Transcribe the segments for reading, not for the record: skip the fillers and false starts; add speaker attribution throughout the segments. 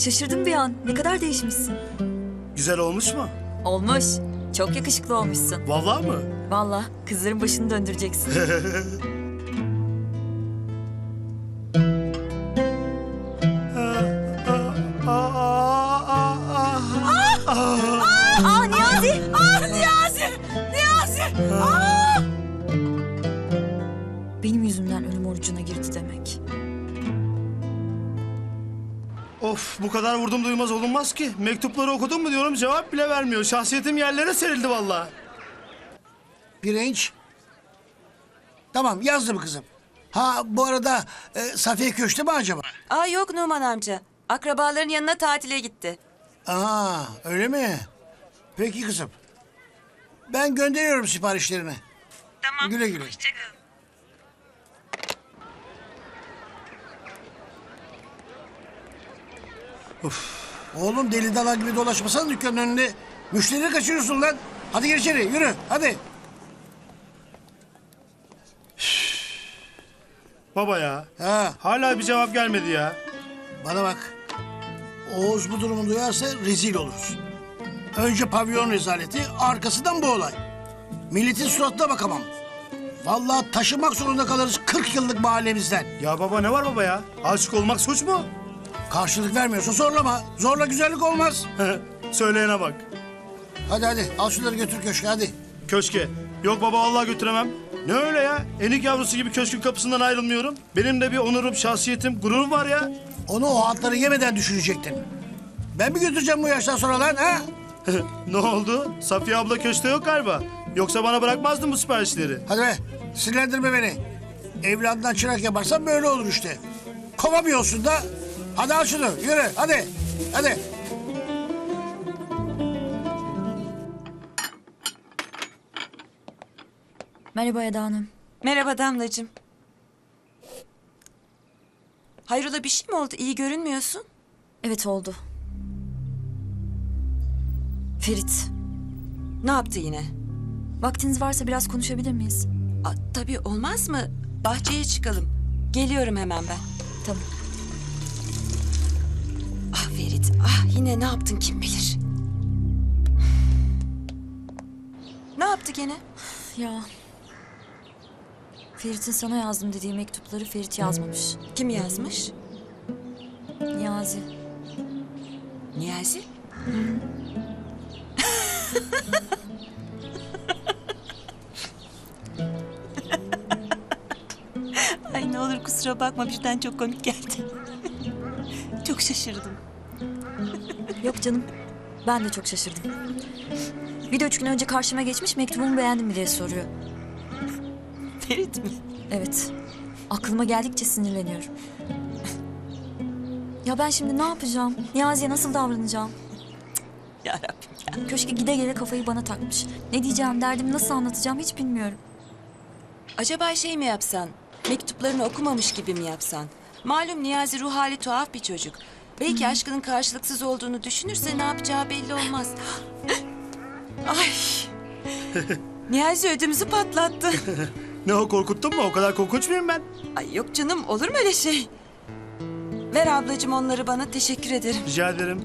Speaker 1: Şaşırdım bir an. Ne kadar değişmişsin.
Speaker 2: Güzel olmuş mu?
Speaker 1: Olmuş. Çok yakışıklı olmuşsun.
Speaker 2: Vallahi mı?
Speaker 1: Vallahi kızların başını döndüreceksin. Aa Niyazi! Niyazi! Niyazi! Benim yüzümden ölüm orucuna girdi demek.
Speaker 2: Of, bu kadar vurdum duymaz olunmaz ki. Mektupları okudun mu diyorum, cevap bile vermiyor. Şahsiyetim yerlere serildi vallahi.
Speaker 3: Pirinç. Tamam, yazdım kızım. Ha, bu arada Safiye köşte mi acaba?
Speaker 4: Aa yok Numan amca. Akrabaların yanına tatile gitti.
Speaker 3: Aa, öyle mi? Peki kızım. Ben gönderiyorum siparişlerini.
Speaker 4: Tamam.
Speaker 3: Güle güle. Oğlum deli dala gibi dolaşmasana dükkanın önünde. Müşterileri kaçırıyorsun lan. Hadi gir içeri, yürü, hadi.
Speaker 2: Baba ya,
Speaker 3: Ha,
Speaker 2: hala bir cevap gelmedi ya.
Speaker 3: bana bak. Oğuz bu durumu duyarsa rezil oluruz. Önce pavyon rezaleti, arkasından bu olay. Milletin suratına bakamam. Vallahi taşımak zorunda kalırız 40 yıllık mahallemizden.
Speaker 2: Ya baba, ne var baba ya? Aşık olmak suç mu?
Speaker 3: Karşılık vermiyorsa zorlama. Zorla güzellik olmaz.
Speaker 2: Söyleyene bak.
Speaker 3: Hadi hadi, al şunları götür köşke, hadi.
Speaker 2: Köşke. Yok baba, vallahi götüremem. Ne öyle ya? Enik yavrusu gibi köşkün kapısından ayrılmıyorum. Benim de bir onurum, şahsiyetim, gururum var ya.
Speaker 3: Onu o hatları yemeden düşünecektin. Ben mi götüreceğim bu yaştan sonra lan, ha?
Speaker 2: Ne oldu? Safiye abla köşkte yok galiba. Yoksa bana bırakmazdın bu siparişleri.
Speaker 3: Hadi be, sinirlendirme beni. Evladından çırak yaparsan böyle olur işte. Kovamıyorsun da. Hadi al şunu, yürü, hadi. Hadi.
Speaker 1: Merhaba Eda Hanım.
Speaker 4: Merhaba Damlacığım. Hayrola bir şey mi oldu? İyi görünmüyorsun.
Speaker 1: Evet oldu. Ferit.
Speaker 4: Ne yaptı yine?
Speaker 1: Vaktiniz varsa biraz konuşabilir miyiz?
Speaker 4: Aa, tabii olmaz mı? Bahçeye çıkalım. Geliyorum hemen ben.
Speaker 1: Tamam.
Speaker 4: Ah Ferit, ah yine ne yaptın kim bilir. Ne yaptı gene?
Speaker 1: Ya. Ferit'in sana yazdım dediği mektupları Ferit yazmamış.
Speaker 4: Kim yazmış?
Speaker 1: Niyazi.
Speaker 4: Niyazi? Ay ne olur kusura bakma birden çok komik geldi. Çok şaşırdım.
Speaker 1: Yok canım. Ben de çok şaşırdım. Bir de 3 gün önce karşıma geçmiş mektubumu beğendin mi diye soruyor.
Speaker 4: Ferit mi?
Speaker 1: Evet. Aklıma geldikçe sinirleniyorum. Ya ben şimdi ne yapacağım? Niyazi'ye nasıl davranacağım?
Speaker 4: Ya Rabbim ya.
Speaker 1: Köşke gide gele kafayı bana takmış. Ne diyeceğim, derdimi nasıl anlatacağım hiç bilmiyorum.
Speaker 4: Acaba şey mi yapsan? Mektuplarını okumamış gibi mi yapsan? Malum Niyazi ruh hali tuhaf bir çocuk. Belki aşkının karşılıksız olduğunu düşünürse ne yapacağı belli olmaz. Ay. Niyazi ödümüzü patlattı.
Speaker 2: Ne o, korkuttun mu? O kadar korkunç muyum ben?
Speaker 4: Ay yok canım olur mu öyle şey? Ver ablacığım onları bana teşekkür ederim.
Speaker 2: Rica ederim.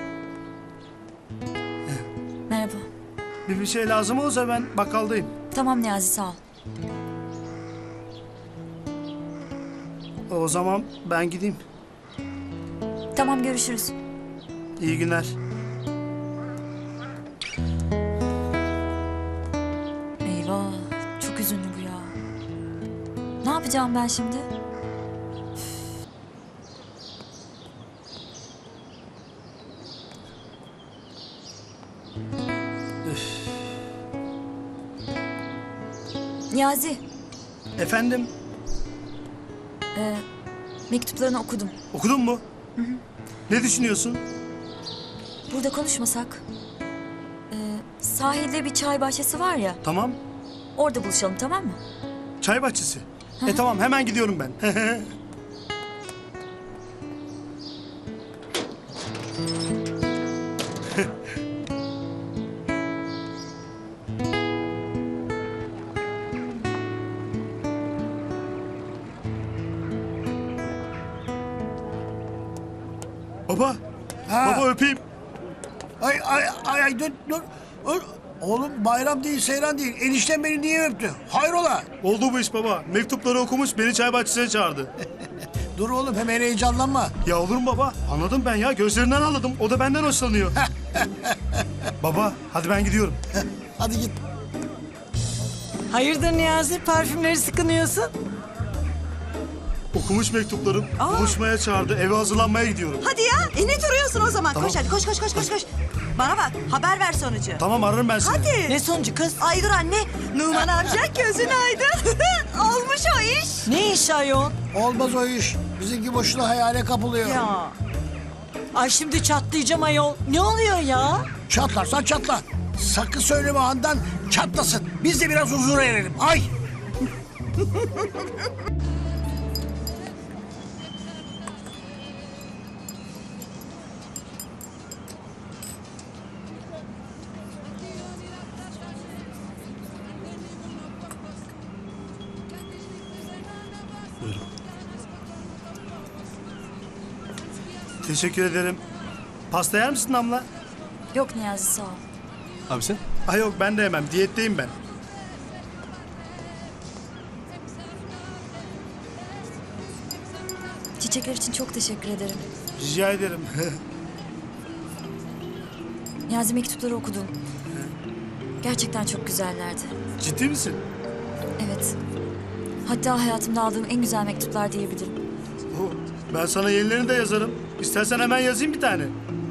Speaker 1: Merhaba.
Speaker 2: Bir şey lazım olsa ben bakkaldayım.
Speaker 1: Tamam Niyazi sağ ol.
Speaker 2: O zaman ben gideyim.
Speaker 1: Tamam görüşürüz.
Speaker 2: İyi günler.
Speaker 1: Eyvah çok üzünlü bu ya. Ne yapacağım ben şimdi? Niyazi,
Speaker 2: Efendim,
Speaker 1: mektuplarını okudum.
Speaker 2: okudun mu? Ne düşünüyorsun?
Speaker 1: Burada konuşmasak. Sahilde bir çay bahçesi var ya,
Speaker 2: Tamam.
Speaker 1: orada buluşalım tamam mı?
Speaker 2: Çay bahçesi. Tamam, hemen gidiyorum ben. Baba,
Speaker 3: Ha.
Speaker 2: Baba öpeyim.
Speaker 3: Ay dur. Oğlum bayram değil, seyran değil. Enişten beni niye öptü? Hayrola?
Speaker 2: Oldu bu iş baba. Mektupları okumuş, beni çay bahçesine çağırdı.
Speaker 3: Dur oğlum, hemen heyecanlanma.
Speaker 2: Ya olur mu baba? Anladım ben ya. Gözlerinden anladım. O da benden hoşlanıyor. Baba, hadi ben gidiyorum.
Speaker 3: Hadi git.
Speaker 5: Hayırdır Niyazi, parfümleri sıkınıyorsun?
Speaker 2: Okumuş mektuplarım. Buluşmaya çağırdı. Eve hazırlanmaya gidiyorum.
Speaker 6: Hadi ya. Ne duruyorsun o zaman?
Speaker 2: Tamam.
Speaker 6: Koş hadi koş. Bana bak, haber ver sonucu.
Speaker 2: Tamam, ararım ben seni.
Speaker 6: Hadi.
Speaker 5: Ne sonucu kız?
Speaker 6: Ay dur anne. Numan amca gözün aydın. Olmuş o iş.
Speaker 5: Ne iş ayol?
Speaker 3: Olmaz o iş. Bizimki boşuna hayale kapılıyor.
Speaker 5: Ya. Ay şimdi çatlayacağım ayol. Ne oluyor ya?
Speaker 3: Çatlarsan çatla. Sakın söyleme Handan, çatlasın. Biz de biraz huzura erelim. Ay!
Speaker 2: Teşekkür ederim. Pasta yer misin Damla?
Speaker 1: Yok Niyazi sağ ol.
Speaker 7: Abi sen?
Speaker 2: Ay yok, ben de yemem. Diyetteyim ben.
Speaker 1: Çiçekler için çok teşekkür ederim.
Speaker 2: Rica ederim.
Speaker 1: Niyazi mektupları okudum. Gerçekten çok güzellerdi.
Speaker 2: Ciddi misin?
Speaker 1: Evet. Hatta hayatımda aldığım en güzel mektuplar diyebilirim.
Speaker 2: Ben sana yenilerini de yazarım. İstersen hemen yazayım bir tane.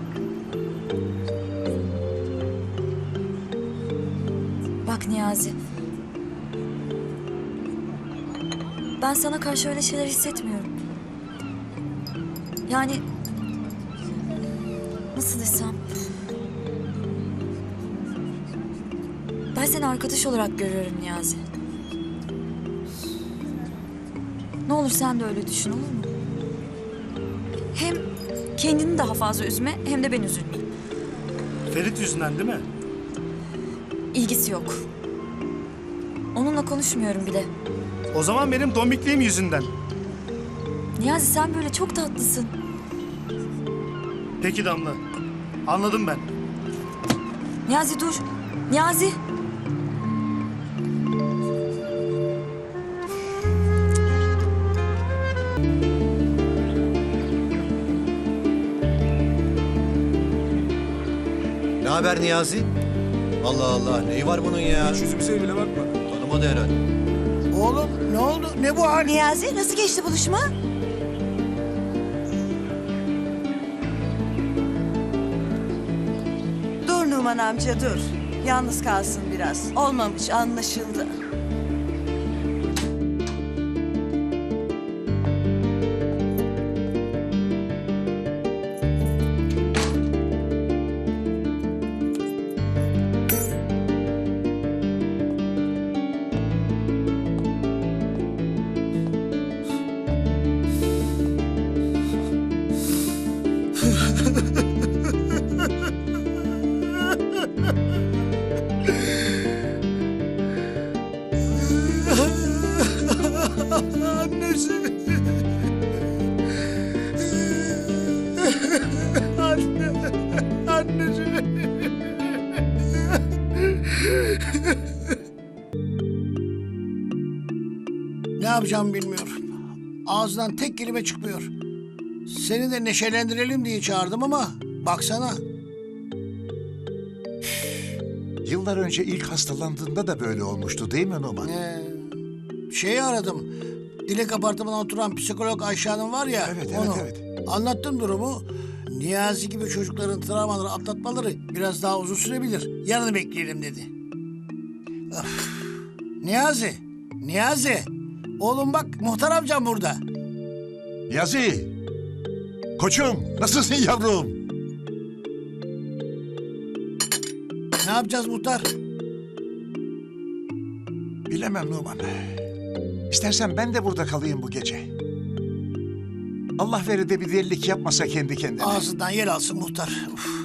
Speaker 1: Bak Niyazi. Ben sana karşı öyle şeyler hissetmiyorum. Yani... Nasıl desem... Ben seni arkadaş olarak görüyorum Niyazi. Ne olur sen de öyle düşün, olur mu? Hem kendini daha fazla üzme hem de ben üzülmeyeyim.
Speaker 2: Ferit yüzünden değil mi?
Speaker 1: İlgisi yok. Onunla konuşmuyorum bile.
Speaker 2: O zaman benim dombikliğim yüzünden.
Speaker 1: Niyazi sen böyle çok tatlısın.
Speaker 2: Peki Damla. Anladım ben.
Speaker 1: Niyazi dur. Niyazi.
Speaker 8: Ne haber Niyazi? Allah Allah, neyi var bunun ya?
Speaker 7: Hiç yüzümüze bile bakma.
Speaker 8: Tanımadı herhalde.
Speaker 3: Oğlum ne oldu? Ne bu hal?
Speaker 6: Niyazi nasıl geçti buluşma? Dur Numan amca dur. Yalnız kalsın biraz. Olmamış anlaşıldı.
Speaker 2: Annesi. Anne. Annesi.
Speaker 3: Ne yapacağımı bilmiyorum. Ağzından tek kelime çıkmıyor. Seni de neşelendirelim diye çağırdım ama baksana.
Speaker 9: Yıllar önce ilk hastalandığında da böyle olmuştu değil mi Numan?
Speaker 3: Şeyi aradım. Dilek apartmanına oturan psikolog Ayşe Hanım var ya.
Speaker 9: Evet,
Speaker 3: onu.
Speaker 9: evet.
Speaker 3: Anlattım durumu. Niyazi gibi çocukların travmaları atlatmaları biraz daha uzun sürebilir. Yarını bekleyelim dedi. Öf. Niyazi. Oğlum bak muhtar amcam burada.
Speaker 9: Niyazi! Koçum, nasılsın yavrum?
Speaker 3: Ne yapacağız muhtar?
Speaker 9: Bilemem Numan. İstersen ben de burada kalayım bu gece. Allah verir de bir delilik yapmasa kendi kendine.
Speaker 3: Ağzından yer alsın muhtar. Uf.